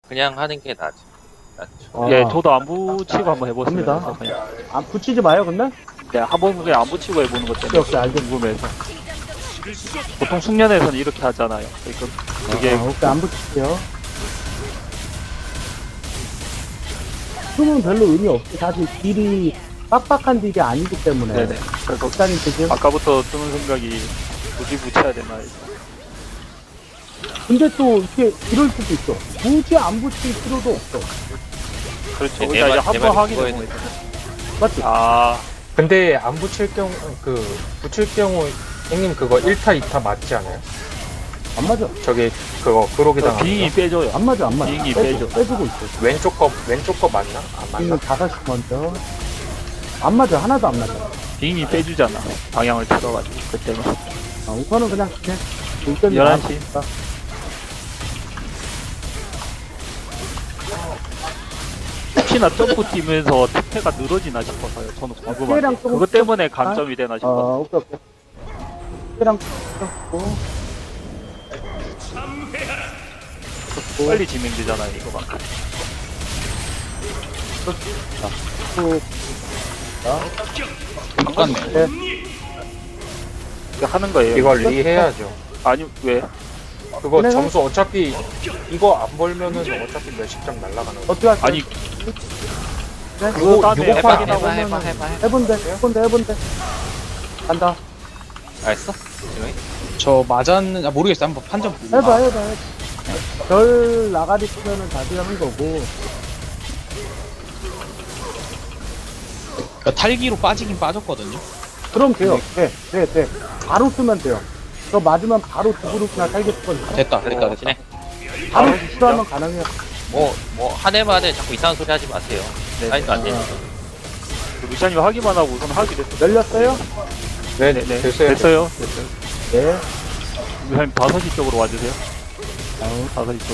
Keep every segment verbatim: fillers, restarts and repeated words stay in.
그냥 하는 게 낫지. 낫죠. 아, 예, 저도 안 붙이고 한번 해보겠습니다. 갑니다. 그냥. 안 붙이지 마요, 근데? 네, 한번 그냥 안 붙이고 해보는 것 때문에 오케이, 알겠어. 궁금해서. 보통 숙련에서는 이렇게 하잖아요. 그러니까 그게 아, 오케이, 안 붙일게요. 숨은 별로 의미 없지. 사실 딜이 빡빡한 딜이 아니기 때문에. 네네. 그래서 일단은 지금. 아까부터 드는 생각이 굳이 붙여야 되나 해서. 근데 또 이렇게 이럴 수도 있어. 굳이 안 붙일 필요도 없어. 그렇죠. 내 그러니까 이제 말- 한 내 번 말이 하게 그거에 되는 거예요. 맞지? 아, 근데 안 붙일 경우 그 붙일 경우 형님 그거 일 타 이 타 맞지 않아요? 안 맞아. 저기 그거 그러기 당한 빙이 빼줘요. 안 맞아, 안 맞아. 비행기 빼주, 빼줘. 빼주고 있어. 왼쪽 거 왼쪽 거 맞나? 안 맞나? 지금 다섯시 먼저. 안 맞아, 하나도 안 맞아. 빙이 빼주잖아. 방향을 틀어가지고 그때는. 아, 우선은 그냥, 그냥, 일단 열한 시. 혹시나 점프 뛰면서 특패가 늘어지나 싶어서요. 저는 피해량 궁금한데 조금 그것 때문에 감점이 되나 싶어서. 어, 오케이, 오케이. 피랑 고 빨리 진행되잖아요, 이거가. 또, 똑같네. 네. 이거 하는 거예요. 이걸 리해야죠. 아니 왜? 그거 내가- 점수 어차피 이거 안 벌면은 어차피 몇십 점 날라가는 거. 어떻게 할까요? 아니 네? 그거 다음에 요거 해봐, 확인하고 해봐, 해봐, 해봐, 해봐. 해본대, 해본대, 해본대. 간다. 알았어? 지금 저 맞았는, 아, 모르겠어. 한번 판정 보고. 해봐, 해봐, 해봐. 별 나가리 쓰면은 다시 하는 거고. 그러니까 탈기로 빠지긴 빠졌거든요. 그럼 돼요. 돼, 돼, 돼. 바로 쓰면 돼요. 저 맞으면 바로 두 그룹이나 살게 쓰거든요. 됐다, 됐다, 됐다. 진행. 바로 아, 수하면 가능해요. 뭐, 뭐, 한 해만에 자꾸 이상한 소리 하지 마세요. 네. 사인도 안 되니까. 루시안이 하기만 하고 우선 하게 됐어요. 열렸어요? 네, 네, 네. 됐어요. 됐어요. 됐어요. 네. 루시안님 다섯 시 쪽으로 와주세요. 아우, 다섯 시 쪽.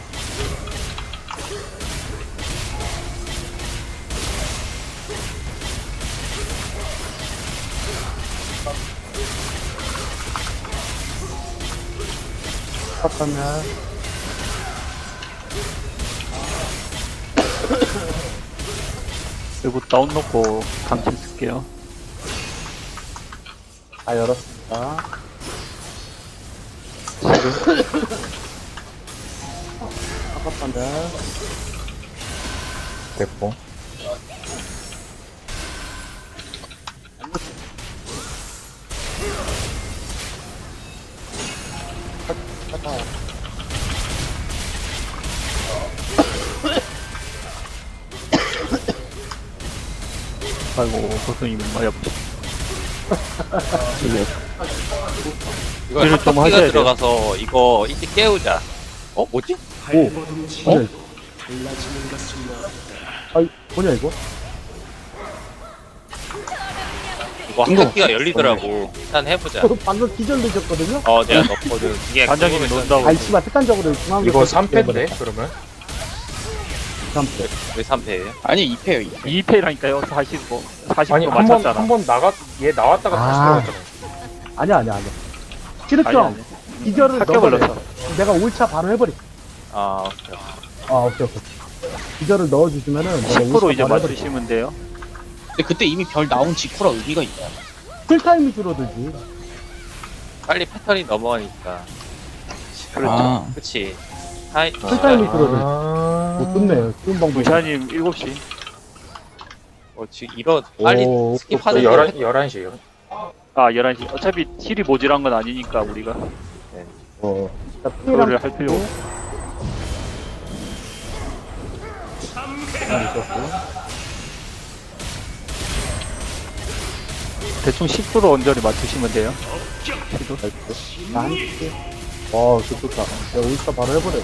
탑하면. 그리고 다운 놓고 강치 쓸게요. 다 열었습니다. 탑하면. 됐고. 탑하. 아이고 교수님 어렵죠. 이거 그래도 좀 하셔야 합격기가 돼요. 들어가서 이거 일찍 깨우자. 어? 뭐지? 오. 어? 아이, 뭐냐, 이거? 이거 합격기가 열리더라고. 일단 해보자. 저 방금 기절 늦었거든요? 어, 내가 넣거든. 이게 반장님이 궁금해서 논다고. 아이, 씨발, 습관적으로 중앙. 이거 삼 패인데 그러면? 삼 패. 왜 삼 패예요? 아니, 이 패요, 이 패. 이 패라니까요. 사십오. 사십 아니 도 한 번 맞췄잖아. 한 번 나가 얘 나왔다가 다시 아. 들어갔잖아. 아니야, 아니야, 아니야. 아니, 치르점. 아니. 기절을 학교 넣어버려. 걸렸어. 내가 올 차 바로 해버리. 아, 오케이. 아, 오케이, 오케이. 기절을 넣어주시면은. 내가 십 퍼센트 올 이제 차 바로 해버리. 맞추시면 돼요. 근데 그때 이미 별 나온 직후라 의미가 있나요? 킬타임이 줄어들지. 빨리 패턴이 넘어가니까. 그렇죠. 아, 그치. 하이, 킬타임이 아, 줄어들지. 아. 못 듣네요. 쉬운 방법. 루시안님 일곱 시. 어, 지금 이런, 빨리 오, 스킵하는 열한 거. 열한 시요. 아 열한 시. 어차피 힐이 모질한 건 아니니까 우리가 어. 자, 그거를 피해랑 할 필요 없고. 대충 십 퍼센트 언저리 맞추시면 돼요. 시도. 한 개. 와, 그 좋다. 내가 올 차 바로 해버려.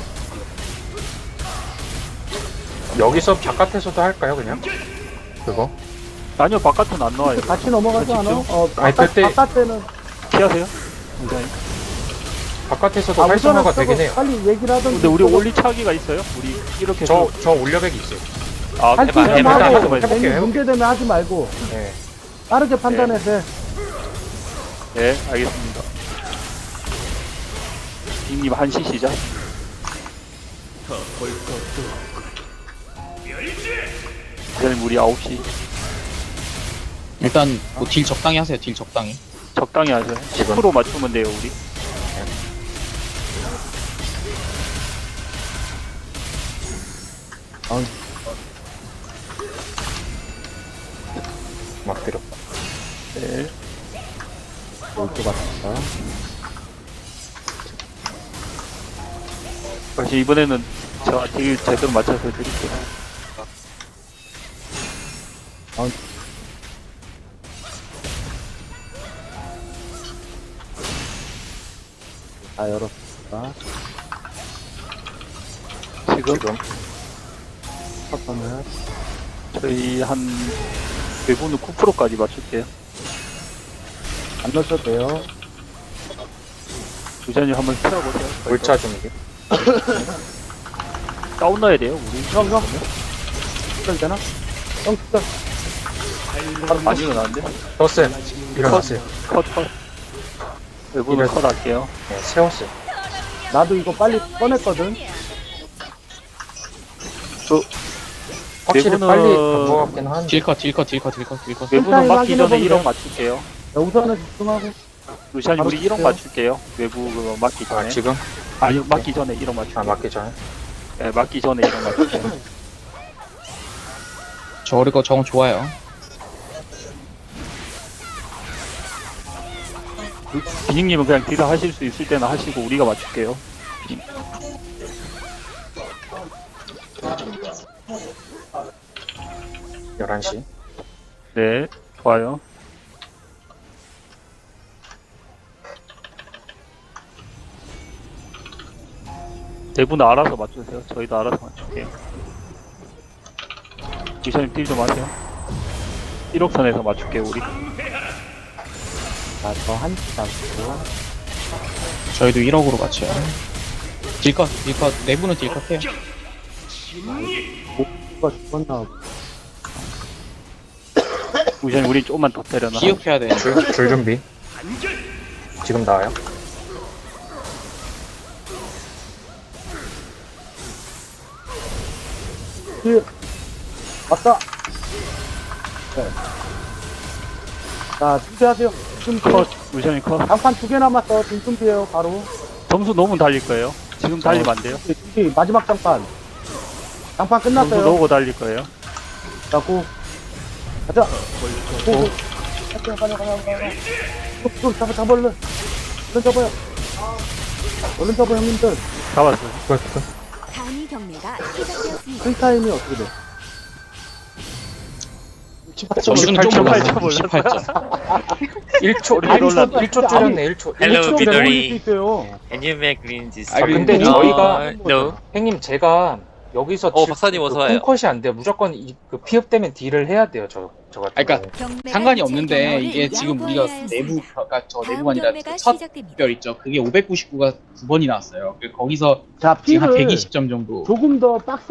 여기서 바깥에서도 할까요 그냥? 그거? 아니요 바깥은 안 나와요. 같이 넘어가지 않아? 어, 아니, 바깥, 그때- 바깥에는. 피하세요. 루시안님. 바깥에서도 아, 활성화가 우선은 되긴 해요. 저거 빨리 얘기를 하던. 근데 우리 올리차기가 있어요. 우리 이렇게 저 해서 저 올려백이 있어요. 아, 할 해봐, 때 해봐, 하고 해봐, 해봐. 괜히 해볼게요. 문제되면 하지 말고 네. 빠르게 판단해서 해. 네, 알겠습니다. 빅님 한시 시작. 부자님 우리 아홉 시 일단 뭐 딜 적당히 하세요. 딜 적당히. 적당히 하세요. 십 퍼센트 맞추면 돼요 우리. 막 때려. 네. 올것 같다. 다시 이번에는 제가 딜 제대로 맞춰서 드릴게요. 다 열었습니다. 지금 지금 첫번은 저희 한 외부는 구 퍼센트까지 맞출게요. 안 넣으셔도 돼요. 부자님 한번 채워보세요. 물차 준비. 다운 넣어야 돼요 우리. 형, 형. 특별 되나? 형, 특별. 안 일어나는데? 떴어요. 일어났어요. 컷 컷. 외부는 이래서- 컷 할게요. 네, 세웠어요. 나도 이거 빨리 꺼냈거든. 확실히 내부는- 빨리 간것 같긴 한데. 딜컷 딜컷 딜컷 딜컷 딜컷. 외부는 일단 맞기 전에 확인해보면 일억 돼요. 맞출게요. 자, 우선은 집중하고. 루시안이 바로 우리 일억 줄게요. 맞출게요. 외부 그거 맞기 아, 전에. 지금? 아니 맞기 전에 일억 맞출게요. 아, 맞기 전에. 네, 맞기 전에 일억 맞출게요. 저거 정원 좋아요. 비닝님은 그냥 딜을 하실 수 있을 때는 하시고 우리가 맞출게요. 열한 시. 네, 좋아요. 내부는 알아서 맞추세요. 저희도 알아서 맞출게요. 미션님 딜 좀 하세요. 일억 선에서 맞출게요, 우리. 자, 저 한치 잡고. 저희도 일억으로 맞춰요. 딜컷 딜컷. 내부는 딜컷해요. 누가 죽었나. 미션님 우리 조금만 더 때려놔. 기억해야 되는데. 줄, 줄 준비. 지금 나와요? 예. 왔다. 네. 자, 준비하세요. 지금 컷, 미션님 컷. 장판 두 개 남았어. 지금 준비해요, 바로. 점수 너무 달릴 거예요. 지금 달리면 안 돼요. 준비, 준비. 마지막 장판. 장판 점수 끝났어요. 넣고 달릴 거예요. 자, 고. 가자. 고, 고. 가자, 가자, 가자, 가자. 또, 잡아, 잡아, 얼른. 얼른 잡아요. 얼른 잡아, 형님들. 잡았어요. 끝, 끝. 단위 경매가 시작되었습니다. 프리타임이 어떻게 돼? 점수는 좀 십팔 점 올랐어. 십팔 점. 일 초, 우리가 일 초, 놀랐다. 일 초 줄였네, 일 초. Hello, 일 초 비더리. 올릴 수 있어요. Can you make green this? 아, 근데 no, 저희가- no. 형님, 제가 여기서 어, 박사님 어서 와요. 콩컷이 안 돼요. 무조건 이, 그 피업되면 딜을 해야 돼요, 저, 저 같은 아, 그러니까 경우는. 상관이 없는데 이게 지금 우리가 내부 그러니까 저 내부가 아니라 첫 특별 있죠. 그게 오백구십구가 두 번이 나왔어요. 그 거기서 자, 지금 한 피를 백이십 점 정도. 조금 더 빡세